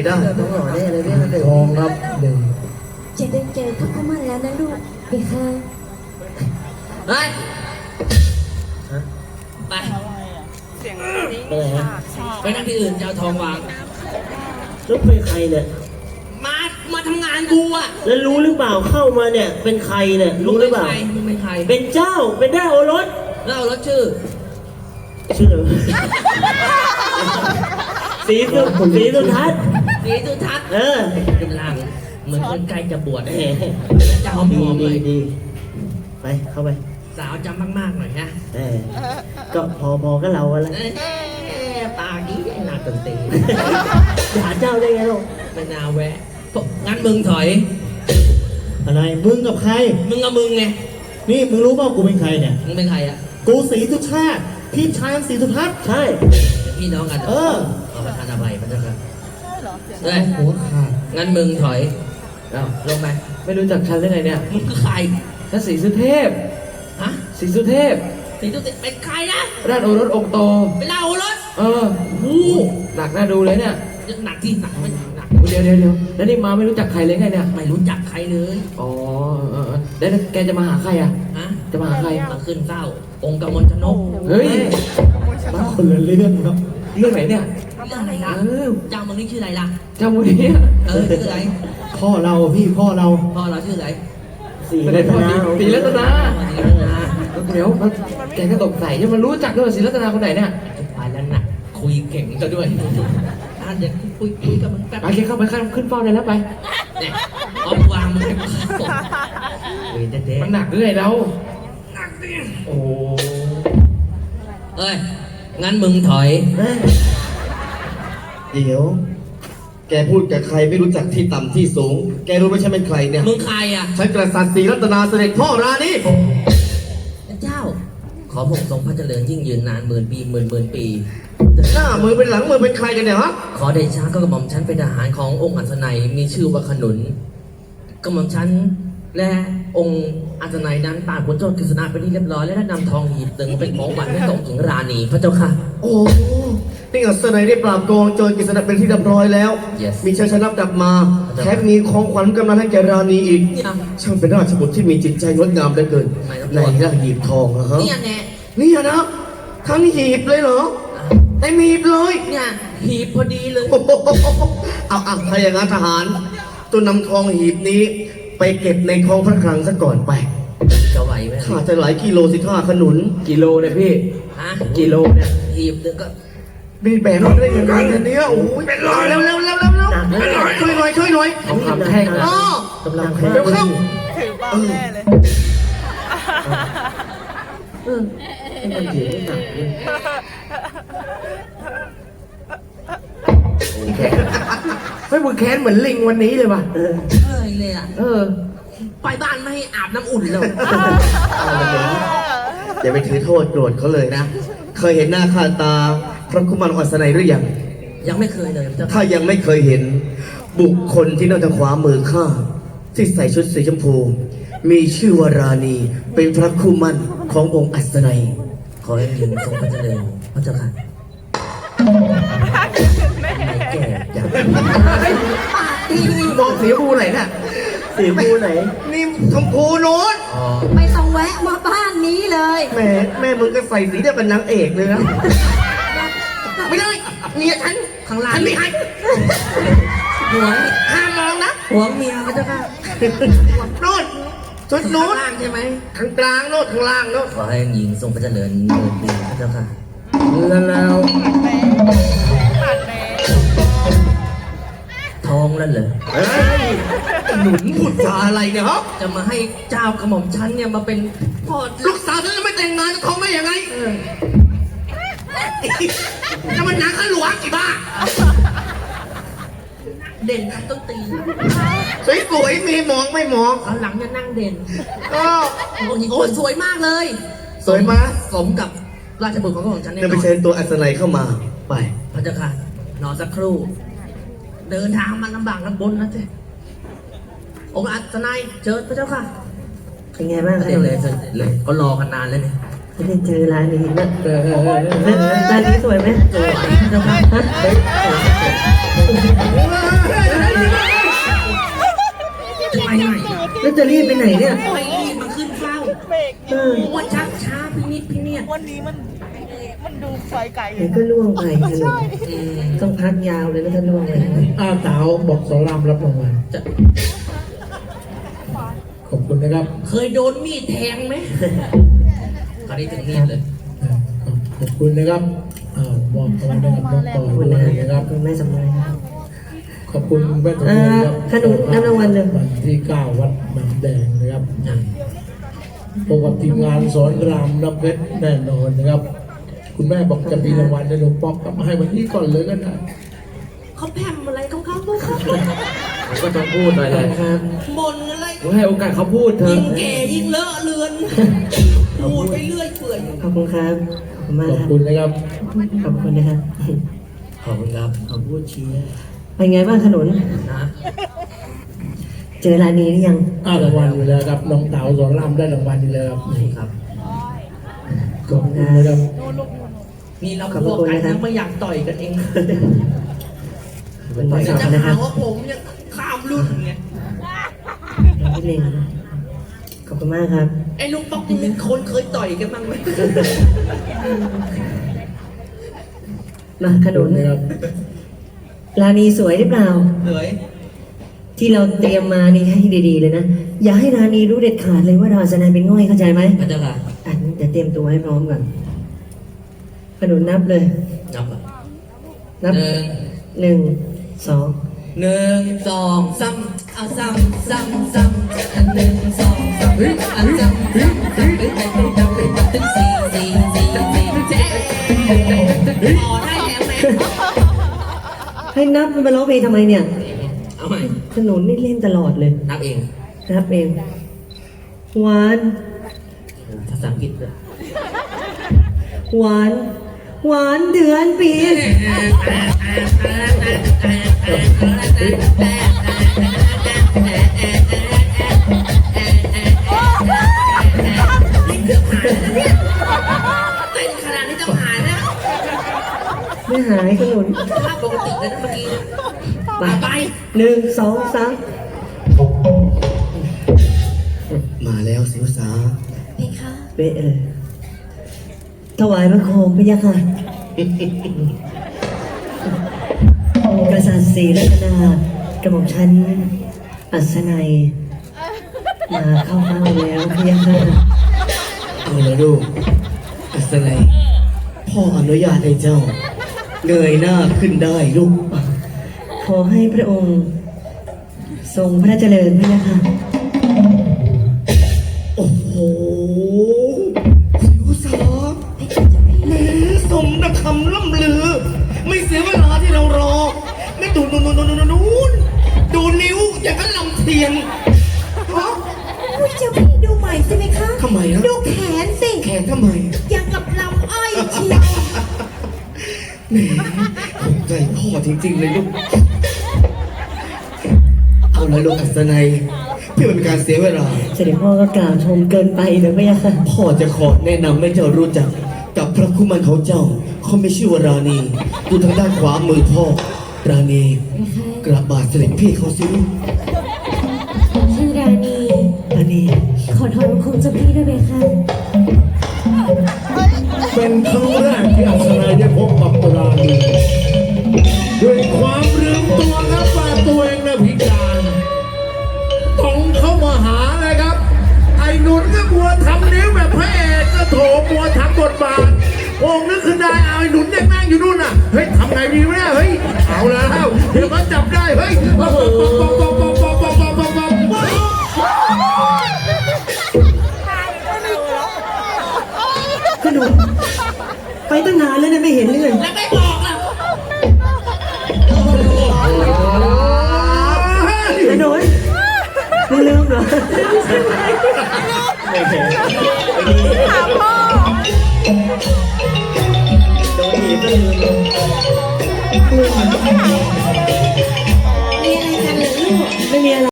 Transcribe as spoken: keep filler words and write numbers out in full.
ได้ต้องหล่อแน่เลยเนี่ยมันเดือดทองครับหนึ่งจะได้เจอพระคุมันแล้วนะลูกไปค่ะเฮ้ยไปเสียงนี้ไปไหนไปนั่งที่อื่นจะเอาทองวางแล้วเป็นใครเนี่ยมามาทำงานกูอ่ะแล้วรู้หรือเปล่าเข้ามาเนี่ยเป็นใครเนี่ยรู้หรือเปล่ามึงเป็นใครเป็นเจ้าเป็นได้โอรสแล้วเอารถชื่อชื่ออะไรสีสุสีสุทัศน์สีสุทัศน์เออเป็นร่างเหมือนคนใกล้จะบวชแหเอมงจะหอมดีหอมดีเลยดีไปเข้าไปสาวจำมากๆหน่อยนะเออก็พอพอก็เราอะไรเอ้ยปากนี้หนักเต็มตีด่าเจ้าได้ไงลูกไม่น่าแวะงั้นมึงถอยอะไรมึงกับใครมึงกับมึงไงนี่มึงรู้เปล่ากูเป็นใครเนี่ยมึงเป็นใครอ่ะกูศรีสุชาติพี่ชายของศรีสุทัศน์ใช่พี่น้องกันหรเออเอาประธานอภัยพระเจ้าค่ะใช่เหรอเสียงเอ้ยหัวขาดงั้นมึงถอยเอาลงไปไม่รู้จักฉันได้ไงเนี่ยมึงคือใครฉันศรีสุเทพฮะศรีสุเทพสีตุติเป็นใครนะราชโอรสองค์โตเป็นเล่ารถเออโอ้หนักน่าดูเลยเนี่ยหนักที่หนักไม่หนักเดี๋ยวเดี๋ยวเดี๋ยวแล้วนี่มาไม่รู้จักใครเลยไงเนี่ยไม่รู้จักใครเลยอ๋อเออเออแล้วแกจะมาหาใครอ่ะฮะจะมาหาใครมาขึ้นเศร้า องค์กมลชนกเฮ้ยมาคนละเรื่องครับเรื่องไหนเนี่ยเรื่องอะไรล่ะเออเจ้ามึงนี่ชื่ออะไรล่ะเจ้ามูนี้เออชื่ออะไรพ่อเราพี่พ่อเราพ่อเราชื่ออะไรสีเป็นรัไงตพ่อนาศรีรัตนาศรีรัตนาเดี๋ยวแกก็ตกใส่จะมารู้จักด้วยศรีรัตนาคนไหนเนี่ยจะไปแล้วหนักคุยเก่งซะด้วยอ่ะเดี๋ยวคุยคุยกับมึงแป๊บไปแกเข้าไปข้างขึ้นเฝ้าได้แล้วไปเนี่ยเอาวางมึงให้กูเข้าคุยเด็ดมันหนักด้วยเราๆหนักดิโอ้เอ้ย งั้นมึงถอยเอ้ยเดี๋ยว แกพูดกับใครไม่รู้จักที่ต่ำที่สูง แกรู้ไหมฉันเป็นใครเนี่ยมึงใครอ่ะฉันกษัตริย์ศรีรัตนาเสด็จพ่อรานีเจ้า ขอพระองค์ทรงพระเจริญยิ่งยืนนานหมื่นปีหมื่นหมื่นปีหน้ามือเป็นหลังมือเป็นใครกันเนี่ยฮะขอเดชะก็กระหม่อมฉันเป็นทหารขององค์อัศนัยมีชื่อว่าขนุนกระหม่อมฉันและองค์อัศนัยนั้นป่านผลโจทย์กฤษณาเป็นที่เรียบร้อยและได้นำทองหีบตึงเป็นของหวานให้ส่งถึงราณีพระเจ้าค่ะโอ้นี่อัศนัยได้ปราบโกงโจรกฤษณะเป็นที่เรียบร้อยแล้ว Yes มีชัยชนะกลับมาแถมมีของขวัญกำนันให้แกราณีอีกเนี่ยช่างเป็นราชบุตรที่มีจิตใจงดงามเหลือเกินไม่ต้องในร่างหีบทองนะฮะเนี่ยแน่เนี่ยนะทั้งหีบเลยเหรอเต็มหีบเลยเนี่ยหีบพอดีเลยโอ้โหเอาอ่ะถ้าอย่างนั้นทหารตัวนำทองหีบนี้ ไปเก็บในคลองพระคลังซะก่อนไปจะไหวไหมข้าจะหลายกิโลสิท่าขนุนกิโลเนี่ยพี่ฮะกิโลเนี่ยหีบนึงก็มีแบกรถได้ยังไงเนี่ยโอ้ยเป็นรอยเร็วเร็วเร็วเร็วเร็วช่วยหน่อยช่วยหน่อยของคำแท่งอ๋อกำลังแพ้เดี๋ยวเข้าถือบ้าแน่เลยเออให้มันถือไม่หนักเลยเฮ้ยมึงแค้นเหมือนลิงวันนี้เลยว่ะเออเอ้ยเลยอ่ะเออไปบ้านไม่ให้อาบน้ำอุ่นเลยอย่าไปถือโทษโกรธเขาเลยนะ เคยเห็นหน้าค่าตาพระคุมารอัศนัยหรือยังยังไม่เคยเลยเจ้าถ้ายังไม่เคยเห็น บุคคลที่นั่งทางขวามือข้าที่ใส่ชุดสีชมพู มีชื่อว่าราณีเป็นพระคุมันขององค์อัศนัยขอให้ยืนทรงพระเจริญพระเจ้าค่ะไม่แก่จังมองสีบูไหนน่ะสีฟูไหนนี่ชมพูโน้นอ๋อไม่ต้องแวะมาบ้านนี้เลยแม่แม่มึงก็ใส่สีเดียวเป็นนางเอกเลยนะ ไม่ได้เมียฉันข้างล่างฉันไม่ให้หัวห้ามมองนะหัวเมียพระเจ้าค่ะโน้นชุดข้าโน้งนล่างใช่ไหมข้างกลางโน้นข้างล่างโน้นขอให้หญิงทรงพระเจริญเงินดีพระเจ้าค่ะแล้วแล้วทองแล้วเหรอเฮ้ยหนุนพูดจาอะไรเนี่ยฮะจะมาให้เจ้ากระหม่อมฉันเนี่ยมาเป็นพ่อลูกสาวฉันจะไม่แต่งงานกับเขาไม่ยังไงจะมันหนังข้าหลวงกี่บ้าเด่นครับต้องตีสวยๆมีมองไม่มองตอนหลังจะนั่งเด่นก็โอ้ยโอ้ยสวยมากเลยสวยมาสมกับราชบุตรของกระหม่อมฉันแน่เดี๋ยวน ไปอนเชิญตัวอัศนัยเข้ามาไปพระเจ้าค่ะนอนสักครู่ เดินทางมันลำบากลำบนนะเจ๊องค์อัศนัยเชิญพระเจ้าค่ะเป็นไงบ้างเดี๋ยวเลยเสร็จเลยก็รอกันนานแล้วเนี่ยไม่ได้เจอร้านนี้นะเออเออเออร้านนี้สวยไหมสวยพระเจ้าค่ะฮะเฮ้ยแล้วจะรีบไปไหนเนี่ยไม่รีบมาขึ้นเฝ้าเบรกเออว่าชักช้าพี่นิดพี่เนี่ยวันนี้มันมันดูไฟไกลเดี๋ยวก็ล่วงไปขนมอืมต้องพักยาวเลยนะถ้าล่วงไปอ้าวเต๋าบอกสอนรามรับรางวัลจะขอบคุณนะครับเคยโดนมีดแทงไหมคราวนี้ถึงมีดเลยอ่าขอบขอบคุณนะครับอ่ามอบรางวัลให้กับน้องปอขอบคุณด้นะวยนะคครัรับบ คุณแม่สำเร็จครับขอบคุณแม่ตุ้ยครับอ่าขนมน้ำรางวัลเลยวันที่เก้าวัดหนำแดงนะครับพบกับทีมงานสอนรามน้ำเพชรแน่นอนนะครับ คุณแม่บอกจะมีรางวัลในหลวงป๊อกกลับมาให้วันนี้ก่อนเลยก็ได้เขาแพมอะไรของเขาเขาก็ต้องพูดหน่อยแหละครับบ่นอะไรผมให้โอกาสเขาพูดเถยิ่อะงแก่ยิ่งเลอะเลือนพูดไปเรื่อยเปื่อยขอบคุณครับขอบคุณมากขอบครับคุณนะครับขอบคุณนะครับขอบคุณครับขอบคุณเชียร์เป็นไงบ้างขนุนนะเจอร้านนี้หรือยังอ้าวรางวัลอยู่แล้วครับน้องเต๋าสอนรามได้รางวัลอยู่แล้วครับนี่ครับขอบคุณนะครับนี่เราพวกกันยังไม่อยากต่อยกันเองเป็นไงจะครับนะคหารับว่าผมยังข้ามรุ่นไงนิดนึงขอบคุณมากครับไอ้ลุงป๊อกนี่มีคนเคยต่อยกันบ้างไหมมาขนุนนะครับร้านนี้สวยหรือเปล่าเหนื่อยที่เราเตรียมมานี่ให้ดีๆเลยนะ อย่าให้ร้านนี้รู้เด็ดขาดเลยว่าเราจะนายเป็นง่อยเข้าใจไหมพระเจ้าค่ะอ่ะเดี๋ยวเตรียมตัวให้พร้อมก่อนขนุนนับเลยนับอ่ะนับหนึ่งหนึ่งสองหนึ่งสองซ้ำเอาซ้ำซ้ำซ้ำอันหนึ่งสองซ้ำอันซ้ำซ้ำซ้ำตึ้งตึ้งตึ้งตึ้งตึ้งตึ้งสี่สี่สี่สี่เจ๊ต่อได้แล้วแม่ให้นับมันมาร้องเพลงทำไมเนี่ยเอาใหม่ขนุนนี่เล่นตลอดเลยนับเองนับเองหวานภาษาอังกฤษด้วยหวาน หวานเดือนปีเต้นขนาดนี้จะหายแล้วไม่หายขนุนภาพปกติเลยนะเมื่อกี้ไปไปหนึ่งสองสามมาแล้วสิวสาเพคะเป๊ะเลยถวายพระโคมพระยาค่ะกษัตริย์ศรีรัตนากระหม่อมชั้นอัศนัยมาเข้าเฝ้าแล้วพระยาค่ะเอาละลูกอัศนัยพ่ออนุญาตให้เจ้าเงยหน้าขึ้นได้ลูกขอให้พระองค์ทรงพระเจริญพระยาค่ะโอ้โหสิวสาแหม่สมนักคำล่ำลือ ไม่เสียเวลาที่เรารอ ไม่ดูนูนนูนนูนนูนนูนดูนิ้วอย่างกับลำเทียนฮะอุ้ยเจ้าพี่ดูใหม่สิไหมคะทำไมนะดูแขนสิแขนทำไมอย่างกับลำอ้อยเชียวแหมถูกใจพ่อจริงๆเลยลูก เอาละลูกอัศนัยเพื่อเป็นการเสียเวลาเสด็จพ่อก็กล่าวชมเกินไปเดี๋ยวพระยาค่ะพ่อจะขอแนะนำให้เจ้ารู้จักกับพระคู่มันของเจ้า เขาไม่ชื่อว่าราณีดูทางด้านขวามือพ่อ ราณีกระบาดเสด็จพี่เขาสิลูกชื่อราณีอันนี้ขอถอนคงเจ้าพี่ด้วยเพคะเป็นครั้งแรกที่อัศนัยได้พบกับราณีด้วยความลืมตัวครับว่าตัวเองน่ะพิการต้องเข้ามาหาเลยครับ ไอ้หนุนก็บัวทำนิ้วแบบพระเอกก็โถบัวทำบทบาทองค์นึกขึ้นได้เอาไอ้หนุนยังนั่งอยู่นู่นน่ะเฮ้ยทำไงดีวะเนี่ยเฮ้ยเอาแล้วเดี๋ยวมันจับได้เฮ้ยป๊อปป๊อปป๊อปป๊อปป๊อปป๊อปป๊อปป๊อปป๊อปป๊อปขนุนไปตั้งนานแล้วเนี่ยไม่เห็นเลยแล้วไม่บอกล่ะขนุนไม่ลืมเหรอถามพ่อโดนหนีก็ลืมมีอะไรกันเหรอลูกไม่มีอะไร